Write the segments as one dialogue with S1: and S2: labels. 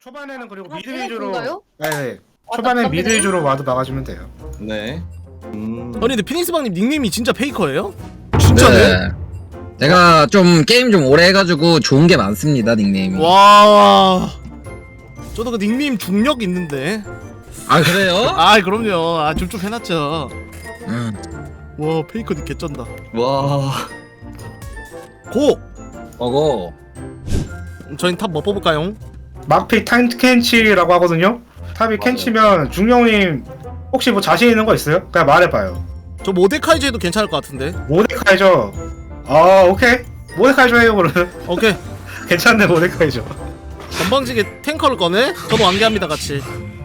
S1: 초반에는 그리고
S2: 아,
S1: 미드
S2: 그게
S1: 위주로
S2: 그건가요?
S1: 네.
S2: 아,
S1: 초반에
S2: 답답하네.
S1: 미드 위주로 와도 막아주면 돼요.
S3: 네.
S4: 아니 근데 피니스방님 닉네임이 진짜 페이커예요?
S5: 네. 제가 좀 게임 좀 오래 해가지고 좋은 게 많습니다 닉네임이.
S4: 와. 저도 그 닉네임 중력 있는데.
S5: 아 그래요?
S4: 아 그럼요. 아 좀 해놨죠.
S5: 음.
S4: 와 페이커 닉 개쩐다.
S3: 와.
S4: 고.
S5: 어고.
S4: 저희 탑 뭐 뽑을까요?
S1: 막피 타임 캔치라고 하거든요. 탑이 캔치면 중령님 혹시 뭐 자신 있는 거 있어요? 그냥 말해봐요.
S4: 저 모데카이저 해도 괜찮을 것 같은데.
S1: 모데카이저. 아 오케이. 모데카이저 해요 그러면.
S4: 오케이.
S1: 괜찮네 모데카이저.
S4: 건방지게 탱커를 꺼내? 저도 완개합니다 같이.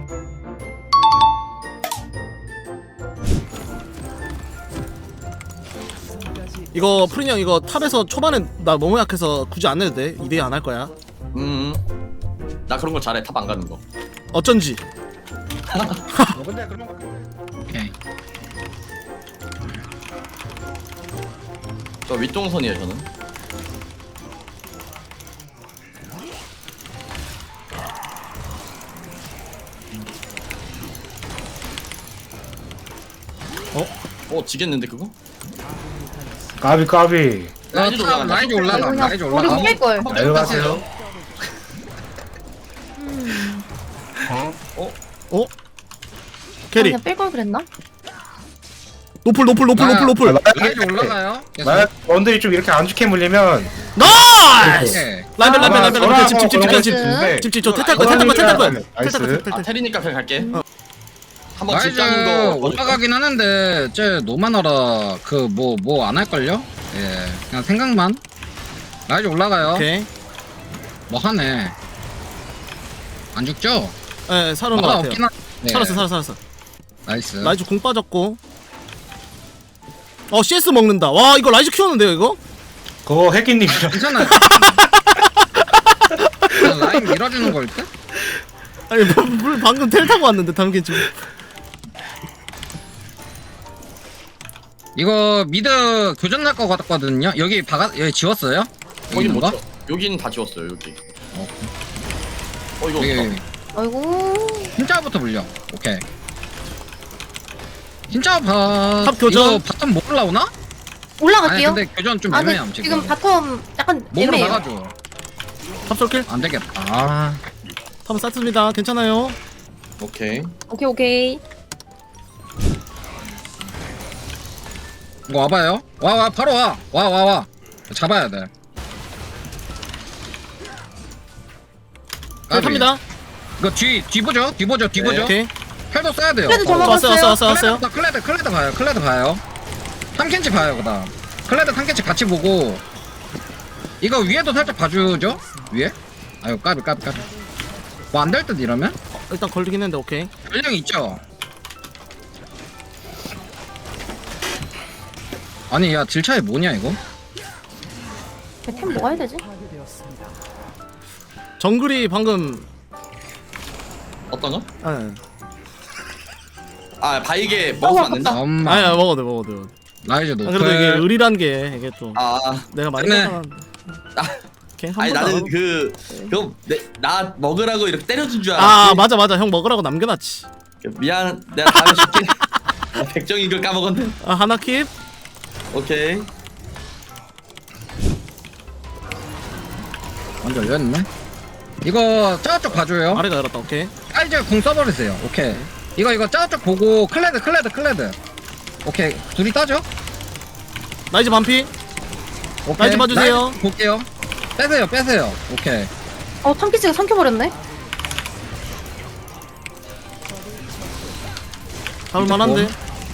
S4: 이거 프린 형 이거 탑에서 초반에 나 너무 약해서 굳이 안 해도 돼. 2대2 안 할 거야.
S3: 나 그런 거 잘해. 탑 안 가는 거.
S4: 어쩐지.
S1: 근데 그런 거.
S5: 오케이.
S3: 저 윗동선이에요 저는. 지겠는데 그거?
S1: 까비.
S3: 라이즈 올라간다.
S5: 라이즈 올라가. 라이즈
S2: 우리
S5: 올라가.
S2: 못뺄 걸.
S1: 잘 가세요.
S4: 캐리.
S2: 그냥 뺄 걸 그랬나?
S4: 노플.
S5: 라이즈 올라가요. 계속.
S1: 만약 원들이 좀 이렇게 안 좋게 물리면
S4: 나이스!
S5: 오케이.
S4: 라이벨 집.
S1: 네.
S4: 집. 저 탈 거야.
S1: 나이스.
S3: 아 테리니까 그냥 갈게. 한번
S5: 라이즈
S3: 집 가는 거
S5: 올라가긴 하는데 쟤 노마너라 그 뭐 안 할걸요? 예. 그냥 생각만. 라이즈 올라가요.
S4: 오케이.
S5: 뭐 하네. 안 죽죠?
S4: 예, 살은 거
S5: 마나
S4: 같아요.
S5: 없긴 한. 네.
S4: 살았어.
S5: 나이스.
S4: 라이즈 공 빠졌고. CS 먹는다. 와, 이거 라이즈 키웠는데요, 이거?
S1: 그거 해기님이랑.
S5: 괜찮아요. 그냥 라인 밀어주는 걸 때?
S4: 아니, 물 방금 텔 타고 왔는데, 담긴 좀.
S5: 이거 미드 교전 날 것 같거든요. 여기 여기 지웠어요?
S3: 거긴 못
S5: 뭔가?
S3: 쳐. 여기는 다 지웠어요 여기.
S5: 어.
S3: 이거
S5: 여기
S3: 어떡하-
S2: 아이고.
S5: 흰자부터 물려. 오케이. 흰자 바.
S4: 탑 교전.
S5: 이거 바텀 못 올라오나? 아니
S2: 올라갈게요.
S5: 근데 교전 좀
S2: 아,
S5: 애매함
S2: 근데
S5: 지금.
S2: 지금 바텀 약간
S5: 몸으로
S2: 애매해요.
S5: 막아줘.
S4: 탑솔킬?
S5: 안 되겠다. 아.
S4: 탑은 쌌습니다. 괜찮아요.
S3: 오케이.
S2: 오케이.
S5: 이거 와봐요. 와 바로 와. 와. 잡아야 돼. 까비.
S4: 탑니다.
S5: 이거 뒤보죠.
S4: 오케이.
S5: 헬도 써야 돼요.
S2: 그래도 저 먹었어요.
S4: 왔어요.
S5: 클레드 봐요. 탐켄치 봐요, 그다음. 클레드 탐켄치 같이 보고. 이거 위에도 살짝 봐주죠? 위에? 아유, 까비. 뭐 안 될 듯 이러면?
S4: 일단 걸리긴 했는데, 오케이.
S5: 전령 있죠? 아니, 야, 딜 차이 뭐냐, 이거?
S2: 템 뭐가 해야 되지?
S4: 정글이 방금.
S3: 어떤 거?
S4: 예.
S3: 아 바이게 먹으면 안 된다.
S5: 엄마.
S4: 아야, 먹어도 돼.
S5: 라이즈
S4: 아,
S5: 노플.
S4: 그래도 이게 의리란 게, 이게 또.
S3: 아
S4: 내가 많이
S5: 네.
S4: 먹었는데. 걔 한
S3: 아니
S4: 번도 안
S3: 나는
S4: 하고.
S3: 나 먹으라고 이렇게 때려준 줄
S4: 아,
S3: 알았지.
S4: 맞아. 형 먹으라고 남겨놨지.
S3: 미안. 내가 다음에 줄게. 백정이 이걸 까먹었네.
S4: 아, 하나 킵.
S3: 오케이.
S5: 완전 열렸네. 이거 저쪽 봐줘요.
S4: 아래가 열었다, 오케이.
S5: 사이즈 궁 써버리세요. 오케이. 이거 저쪽 보고 클레드. 오케이. 둘이 따죠?
S4: 라이즈 반피.
S5: 오케이.
S4: 라이즈 봐주세요.
S5: 라이즈 볼게요. 빼세요. 오케이.
S2: 탐키치가 삼켜버렸네.
S4: 잡을만한데.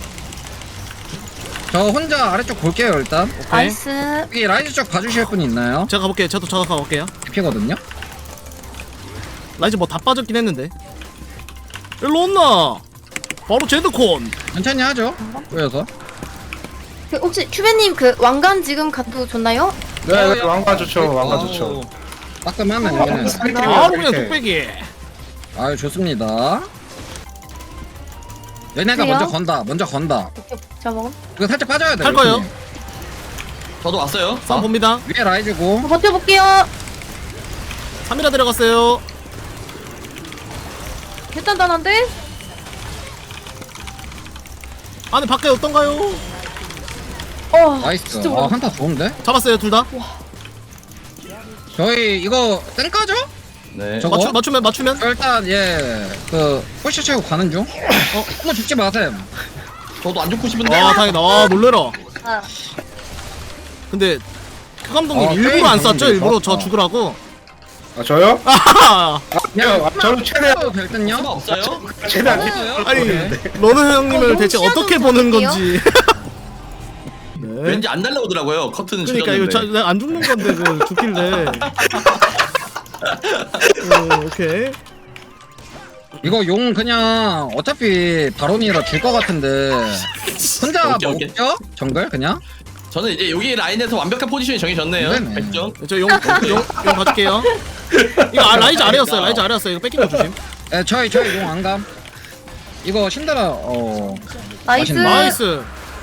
S5: 저 혼자 아래쪽 볼게요 일단.
S4: 오케이.
S2: 나이스.
S5: 여기 라이즈 쪽 봐주실 분 있나요?
S4: 제가 가볼게요. 저도 가볼게요.
S5: 피거든요.
S4: 라이즈 뭐 다 빠졌긴 했는데. 일로 온나. 바로 제드콘.
S5: 천천히 하죠. 보여서.
S2: 그 혹시 큐베님 그 왕관 지금 가도 좋나요?
S1: 네, 왕관 좋죠. 왕관 좋죠.
S5: 따끔하네. 여기는.
S4: 바로 그냥 뚝배기.
S5: 아유 좋습니다. 얘네가
S2: 그래요?
S5: 먼저 건다.
S2: 오케이. 제가 먹음.
S5: 이거 살짝 빠져야 돼.
S4: 할 거예요.
S3: 저도 왔어요.
S4: 싸움 봅니다.
S5: 위에 라이즈고.
S2: 버텨볼게요.
S4: 3이라 들어갔어요.
S2: 개단단한데?
S4: 안에 밖에 어떤가요?
S5: 나이스.
S2: 진짜
S5: 아, 한타 좋은데?
S4: 잡았어요 둘 다.
S5: 저희 이거 땡까죠?
S3: 네.
S5: 저거?
S4: 맞추면
S5: 일단 그 포시 채우고 가는 중. 한번 죽지 마셈.
S3: 저도 안 죽고 싶은데.
S4: 아 다행이다. 아 놀래라.
S2: 아,
S4: 근데 그 감독님
S5: 어,
S4: 일부러
S5: 게임
S4: 안 쐈죠?
S5: 감독님
S4: 일부러 저
S5: 어.
S4: 죽으라고.
S1: 아 저요?
S4: 아하!
S1: 저는 최대한
S5: 될 듯요?
S3: 수가 없어요?
S1: 최대한
S4: 아니
S5: 오케이.
S4: 러너 형님을
S2: 너무
S4: 대체
S2: 시야도
S4: 어떻게
S2: 좀
S4: 보는
S2: 어때요?
S4: 건지. 네.
S3: 왠지 안 날라오더라고요. 커튼은
S4: 그러니까 이거
S3: 찢었는데.
S4: 내가 안 죽는 건데 그 죽길래. 오케이.
S5: 이거 용 그냥 어차피 바론이라 줄 것 같은데 혼자
S3: 오케이, 오케이.
S5: 먹죠? 정글 그냥?
S3: 저는 이제 여기 라인에서 완벽한 포지션이 정해졌네요.
S5: 네네.
S3: 백정.
S4: 저용 가줄게요. 이거 라이즈 아래였어요. 라이즈 아래였어요. 이거 뺏긴 거 조심.
S5: 저희 용 안감. 이거 신드라
S2: 나이스.
S5: 맛있네.
S4: 나이스.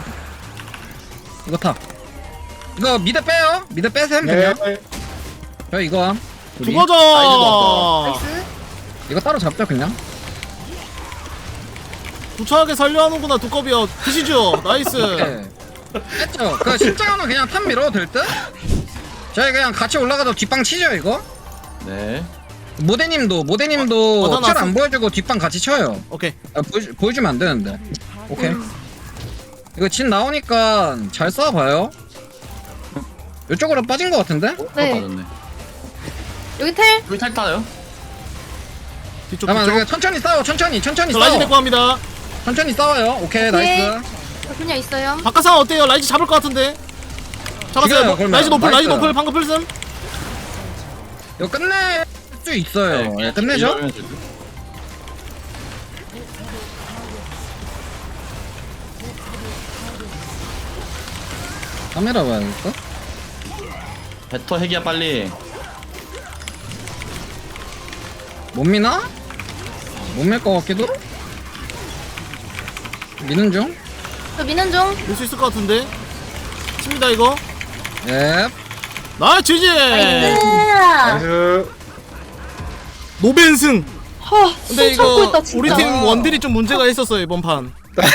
S5: 이거 타. 이거 미드 빼요? 미드 빼셈
S1: 네.
S5: 그냥. 저 이거 함. 우리.
S4: 죽어줘.
S2: 나이스.
S5: 이거 따로 잡죠 그냥.
S4: 부차하게 살려 하는구나 두꺼비야. 드시죠. 나이스.
S5: 네. 했죠. 그 십자가는 그냥 탑 밀어도 될 듯? 저희 그냥 같이 올라가서 뒷방 치죠 이거?
S3: 네.
S5: 모대님도
S4: 나
S5: 억지로
S4: 나왔어.
S5: 안 보여주고 뒷방 같이 쳐요.
S4: 오케이.
S5: 보여주면 안 되는데. 오케이. 이거 진 나오니까 잘 싸워봐요. 이쪽으로 빠진 것 같은데?
S2: 네.
S3: 맞았네.
S2: 여기 텔.
S3: 여기 탈타요?
S4: 뒤쪽
S5: 잠깐만,
S4: 뒤쪽.
S5: 그냥 천천히 싸워, 천천히
S4: 저 라이즈 데리고
S5: 싸워.
S4: 갑니다.
S5: 천천히 싸워요. 오케이, 나이스.
S2: 저 그냥 있어요.
S4: 바깥 상황 어때요? 라이즈 잡을 것 같은데. 잡았어요.
S5: 지금 그러면
S4: 라이즈 노플, 라이즈
S5: 나이스.
S4: 노플 방금 풀슴.
S5: 이거 끝낼 수 있어요. 예, 끝내죠?
S3: 이러면 되죠.
S5: 카메라 봐야겠어?
S3: 배터 핵이야 빨리.
S5: 못 미나? 못 밀 것 같기도? 미는 중?
S2: 저 미는 중.
S4: 볼 수 있을 것 같은데. 칩니다 이거.
S5: 예.
S4: 나이스 지지.
S2: 나이스.
S1: 나이스.
S4: 노벤승. 근데
S2: 숨 참고
S4: 이거
S2: 있다 진짜.
S4: 우리 팀 원딜이 좀 문제가 있었어요 이번 판.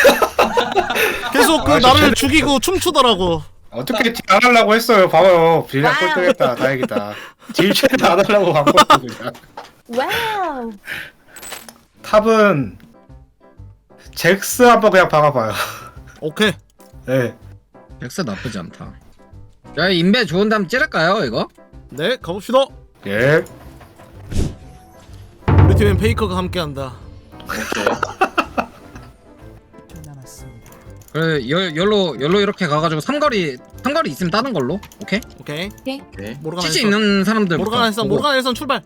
S4: 계속 그
S1: 아,
S4: 나를
S1: 진짜.
S4: 죽이고 춤추더라고.
S1: 어떻게 딜 안 하려고 했어요. 봐봐요. 빌량 꼴등했다. 다행이다. 딜 최대 안 하려고 바꿨어 그냥.
S2: 와우.
S1: 탑은 잭스 한번 그냥 박아봐요.
S4: 오케이.
S1: 네.
S5: 엑스 나쁘지 않다. 야, 인베 좋은 다음 찌를까요, 이거?
S4: 네 가봅시다.
S1: 예.
S4: 우리 팀엔 페이커가 함께한다.
S3: 오케이.
S5: 그래, 열로 이렇게 가가지고 삼거리 있으면 따는 걸로. 오케이?
S4: 오케이.
S3: 오케이.
S4: 모르가나
S5: 치즈
S4: 일선.
S5: 있는 사람들.
S4: 모르가나 일선. 모르가나 일선 출발.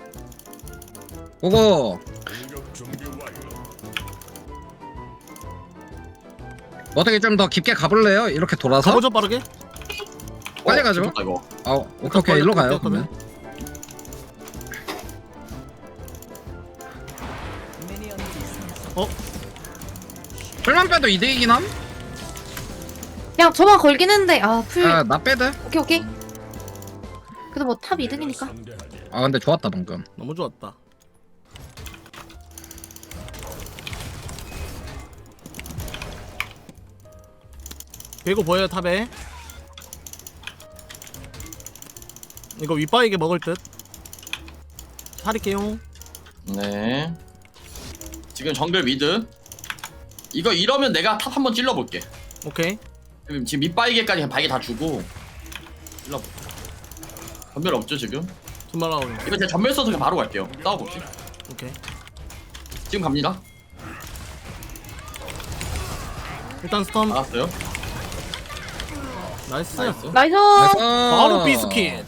S5: 그거 어떻게 좀 더 깊게 가볼래요? 이렇게 돌아서?
S4: 가보죠 빠르게.
S5: 빨리 가죠.
S3: 좋다, 이거.
S5: 아, 오케이, 일로 가요.
S4: 그러면.
S5: 그러면. 풀만 빼도 이득이긴 함?
S2: 그냥 저만 걸긴 했는데 풀.
S5: 나 빼드?
S2: 오케이 오케이. 그래도 뭐 탑 2등이니까.
S5: 아, 근데 좋았다, 방금.
S4: 너무 좋았다. 배고 보여요 탑에. 이거 윗바이게 먹을 듯. 살릴게요.
S3: 네. 지금 정글 미드. 이거 이러면 내가 탑 한번 찔러볼게.
S4: 오케이.
S3: 지금 밑바이게까지 그냥 바이게 다 주고 찔러볼게. 전멸 없죠 지금?
S4: 정말 나오네.
S3: 이거 제가 전멸 써서 그냥 바로 갈게요. 싸워볼게.
S4: 오케이.
S3: 지금 갑니다.
S4: 일단 스톰.
S3: 알았어요.
S4: 나이스.
S3: 나이스.
S2: 나이스.
S4: 바로 비스킷.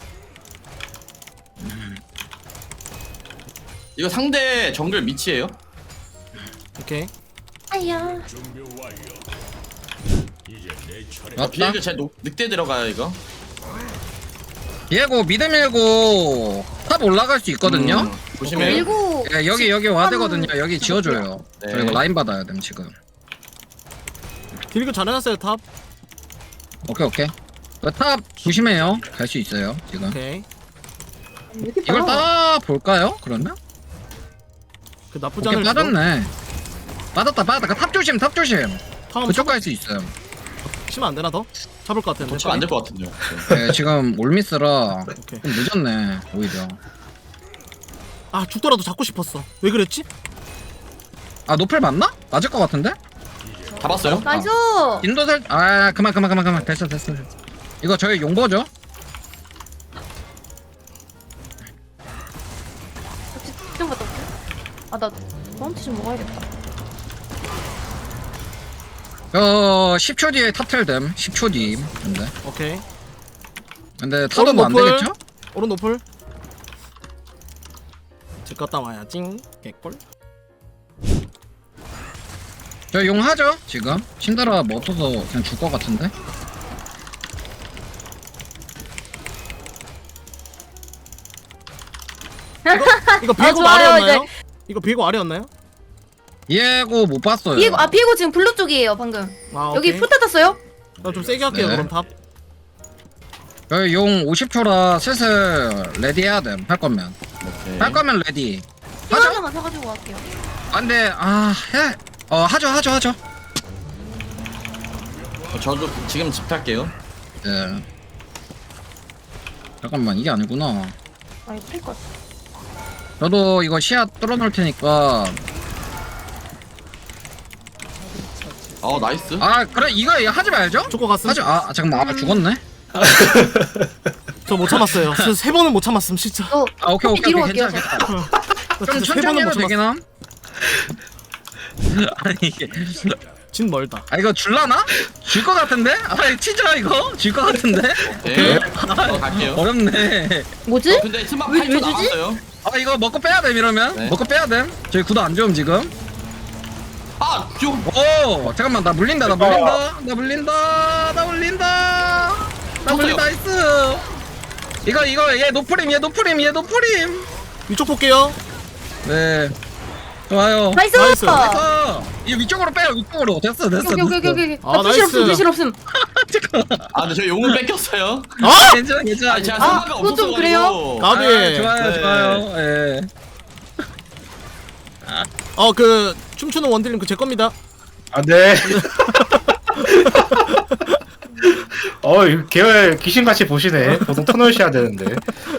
S3: 이거 상대 정글 미치예요.
S4: 오케이.
S2: 아야.
S5: 맞다.
S3: 비행기 제 늑대 들어가요 이거.
S5: 비에고 미드 밀고 탑 올라갈 수 있거든요?
S3: 조심해요.
S2: 밀고.
S5: 예, 여기 와드거든요. 여기 지워줘요.
S3: 네.
S5: 저 이거 라인 받아야 됨 지금.
S4: 딜교 잘해놨어요 탑.
S5: 오케이. 탑 조심해요. 갈 수 있어요 지금.
S4: 오케이.
S5: 이걸 따 볼까요? 그러면?
S4: 그 나쁘지
S5: 오케이
S4: 않을 수도.
S5: 빠졌네. 빠졌다. 탑 조심.
S4: 다음
S5: 그쪽 갈 수 있어요.
S4: 치면 안 되나 더? 잡을 것 같은데.
S3: 도치가 안될 것 같은데요.
S5: 네, 지금 올미스라
S4: 오케이.
S5: 좀 늦었네 오히려.
S4: 아 죽더라도 잡고 싶었어. 왜 그랬지?
S5: 아 노플 맞나? 맞을 것 같은데?
S3: 잡았어요?
S2: 나이스.
S5: 인도살 그만 됐어. 이거 저희 용보죠?
S2: 좀 갔다 올게. 아나 파운티 좀 먹어야겠다.
S5: 10초 뒤에 탑텔됨 10초 뒤.
S4: 오케이.
S5: 근데 타도 뭐 안
S4: 노플.
S5: 되겠죠?
S4: 오른 노플. 집 갔다 와야 찡. 개꿀.
S5: 저 용 하죠 지금. 신드라 뭐 없어서 그냥 줄 것 같은데.
S4: 이거 비에고
S2: 좋아요,
S4: 아래였나요? 이거 비에고 아래였나요?
S5: 비에고 못 봤어요.
S2: 비에고 지금 블루 쪽이에요 방금.
S4: 아
S2: 여기
S4: 오케이.
S2: 풀 탔어요?
S4: 나좀 세게 할게요
S5: 네.
S4: 그럼 탑.
S5: 저희 용 50초라 슬슬 레디 해야 됨. 할 거면.
S3: 오케이.
S5: 할 거면 레디.
S2: 힐
S5: 하죠?
S2: 하나만 사가지고 갈게요.
S5: 안돼. 해. 하죠.
S3: 저도 지금 집 탈게요.
S5: 예. 잠깐만 이게 아니구나.
S2: 아 이거 풀것.
S5: 저도 이거 시야 뚫어놓을 테니까.
S3: 나이스.
S5: 그래 이거 하지 말죠?
S4: 죽고 갔음.
S5: 하죠. 잠깐만 죽었네.
S4: 저 못 참았어요. 세 번은 못 참았음 진짜.
S5: 오케이
S2: 뒤로
S5: 괜찮아.
S2: 갈게요,
S4: 좀
S5: 좀 천천히 해도 되긴 함. 아니 이게
S4: 진 멀다.
S5: 이거 줄라나? 줄 것 같은데? 치자 이거 줄 것 같은데?
S3: 오케이. 갈게요.
S5: 어렵네.
S2: 뭐지?
S3: 근데 스마
S2: 왜
S3: 8초
S2: 주지?
S3: 남았어요.
S5: 이거 먹고 빼야 돼 이러면.
S3: 네.
S5: 먹고 빼야 돼. 저희 구도 안 좋음 지금.
S3: 좀.
S5: 오 잠깐만 나 물린다. 나이스. 이거 얘 노프림.
S4: 위쪽 볼게요.
S5: 네. 좋아요.
S2: 나이스.
S4: 나이스.
S5: 이 위쪽으로 빼요. 위쪽으로. 됐어.
S2: 오케이.
S4: 아,
S2: 나 부실
S4: 나이스.
S2: 없음 부실 없음.
S3: 근데 저 용은 뺏겼어요.
S5: 괜찮아.
S3: 제가
S2: 아,
S3: 생각이
S2: 그건 좀
S3: 없어서
S2: 그래요?
S4: 까비.
S5: 좋아요. 예.
S4: 그 춤추는 원딜님 그 제 겁니다.
S1: 네. 이거 계열 귀신같이 보시네. 보통 터널 셔야 되는데.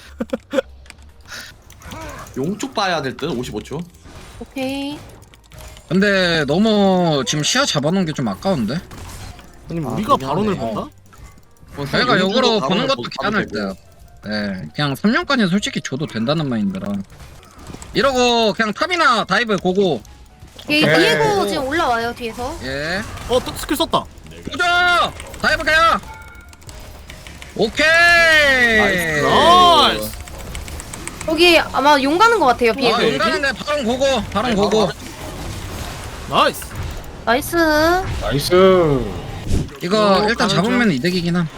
S3: 용쪽 봐야 될 듯. 55초.
S2: 오케이.
S5: 근데 너무 지금 시야 잡아놓은 게 좀 아까운데?
S4: 아니 우리가
S3: 그러네.
S4: 발언을 본다?
S5: 저희가 역으로 보는 것도
S3: 가도
S5: 괜찮을
S3: 되고.
S5: 듯. 네, 그냥 3년까지 솔직히 줘도 된다는 마인드라. 이러고 그냥 탑이나 다이브 고고.
S2: 얘
S1: 오케이.
S2: 비에고 지금 올라와요 뒤에서.
S5: 예.
S4: 또 스킬 썼다.
S5: 보자. 다이브 가요. 오케이.
S4: 나이스.
S2: 여기 아마 용 가는 것 같아요 비에고.
S5: 용 가는데 바로 고고.
S4: 나이스.
S2: 나이스.
S1: 나이스.
S5: 이거 일단
S4: 가는
S5: 잡으면 이득이긴 함.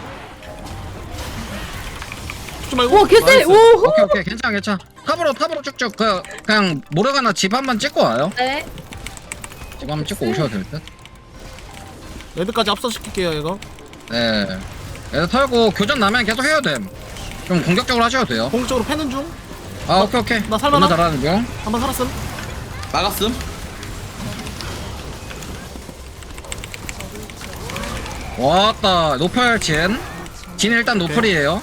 S4: 죽지 말고.
S2: 오 개쎄.
S4: 나이스.
S2: 오.
S5: 오케이 괜찮아. 탑으로 쭉쭉 그냥 모르가나 집 한번 찍고 와요.
S2: 네.
S5: 집 한번 찍고 오셔도 될 듯.
S4: 레드까지 압수시킬게요 이거.
S5: 네. 애들 털고 교전 나면 계속 해야 됨. 좀 공격적으로 하셔도 돼요.
S4: 공격적으로 패는 중.
S5: 오케이.
S4: 나 살만함?
S5: 너무 잘하는 중.
S4: 한번 살았음.
S3: 막았음.
S5: 왔다. 노플 진 일단 노플이에요.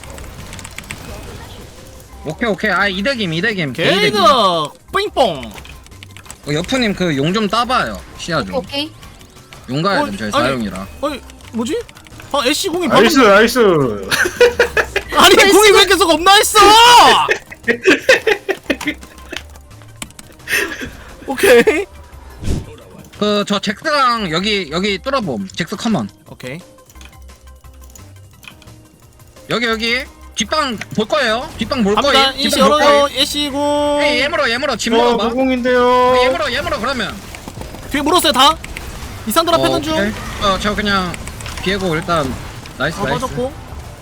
S5: 오케이. 이득임.
S4: 게이드 삥뽕.
S5: 여프님 그 용 좀 따봐요. 시야 좀.
S2: 오케이.
S5: 용 가야 됨 저희
S4: 아니.
S5: 사용이라.
S4: 뭐지? 애쉬 공이 방금
S1: 나이스.
S4: 아니 공이 왜 계속 없나 했어? 오케이.
S5: 저 잭스랑 여기 뚫어봄. 잭스 커먼.
S4: 오케이.
S5: 여기 뒷방 볼 거예요. 뒷방 볼
S4: 갑니다.
S5: 거예요.
S4: 이시
S5: 뒷방 볼 거예요.
S4: 열어요. 애쉬 공.
S5: 예물어 집 먹어봐.
S1: 무공인데요.
S5: 예물어 그러면.
S4: 뒤에 물었어요 다. 이산드라 패는 중.
S5: 오케이. 저 그냥 비에고 일단 나이스.
S4: 빠졌고.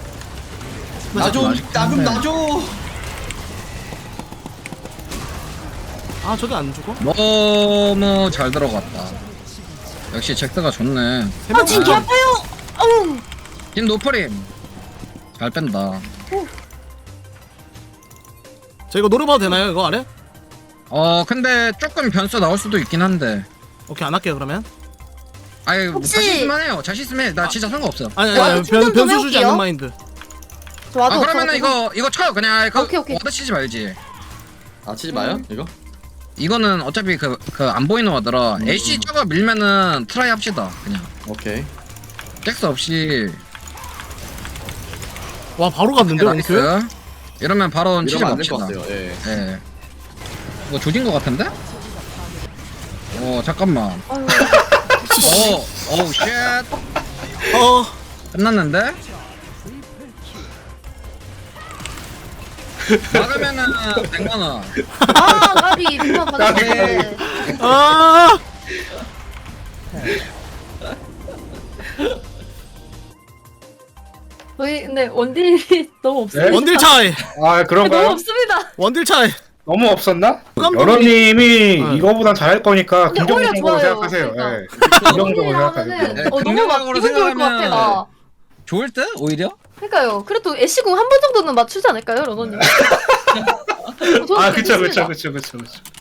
S3: 나좀 놔줘.
S4: 아 저게 안 죽어?
S5: 너무 잘 들어갔다. 역시 잭스가 좋네.
S2: 진 개 아파요. 어우.
S5: 진 노프림. 잘 뺀다.
S4: 저 이거 노려봐도 되나요 이거 아래?
S5: 근데 조금 변수 나올 수도 있긴 한데.
S4: 오케이 안 할게요 그러면.
S5: 아니
S2: 혹시-
S5: 자신 있으면 해요. 자신 있으면 해. 나 진짜 상관없어.
S4: 아니
S2: 와드
S4: 아니
S2: 충전 좀
S4: 변수 주지
S2: 해볼게요.
S4: 않는 마인드.
S2: 저 와도
S5: 그러면은
S2: 없어가지고.
S5: 이거 쳐요. 그냥
S2: 오케이, 오케이.
S5: 와드 치지 말지.
S3: 아 치지 마요 이거.
S5: 이거는 어차피 그 안 보이는 와드라. 애쉬 저거 밀면은 트라이 합시다. 그냥
S3: 오케이.
S5: 잭스 없이.
S4: 와 바로 갔는데
S5: 나이스.
S4: 원큐?
S5: 이러면 바로 치즈
S3: 이러면 안 될 것
S5: 맙시다.
S3: 같아요. 예.
S5: 예. 이거 조진 거 같은데? 잠깐만.
S2: 아유,
S5: 어우 쉣.
S4: 어
S5: 끝났는데? 막으면은 100만원.
S2: 아 나비 누가 받았네.
S4: 아.
S2: 저희 근데 원딜이 너무 없어요.
S1: 네?
S4: 원딜 차이.
S1: 아
S2: 너무
S1: 그런가요?
S2: 없습니다.
S4: 원딜 차이.
S1: 너무 없었나?
S4: 깜빡이-
S1: 여러님이
S4: 네.
S1: 이거보단 잘할 거니까
S2: 근데 오히려
S1: 긍정적으로
S2: 좋아요.
S1: 생각하세요.
S2: 그러니까.
S1: 예. 긍정적으로
S2: 원딜
S1: 생각하세요.
S2: 하면은
S5: 네,
S2: 너무 막
S5: 긍정적으로
S2: 기분 좋을 것 같아
S5: 생각하면-
S2: 나.
S5: 좋을 듯? 오히려?
S2: 그러니까요. 그래도 애쉬공 한 번 정도는 맞추지 않을까요, 러너님?
S1: 아 그쵸.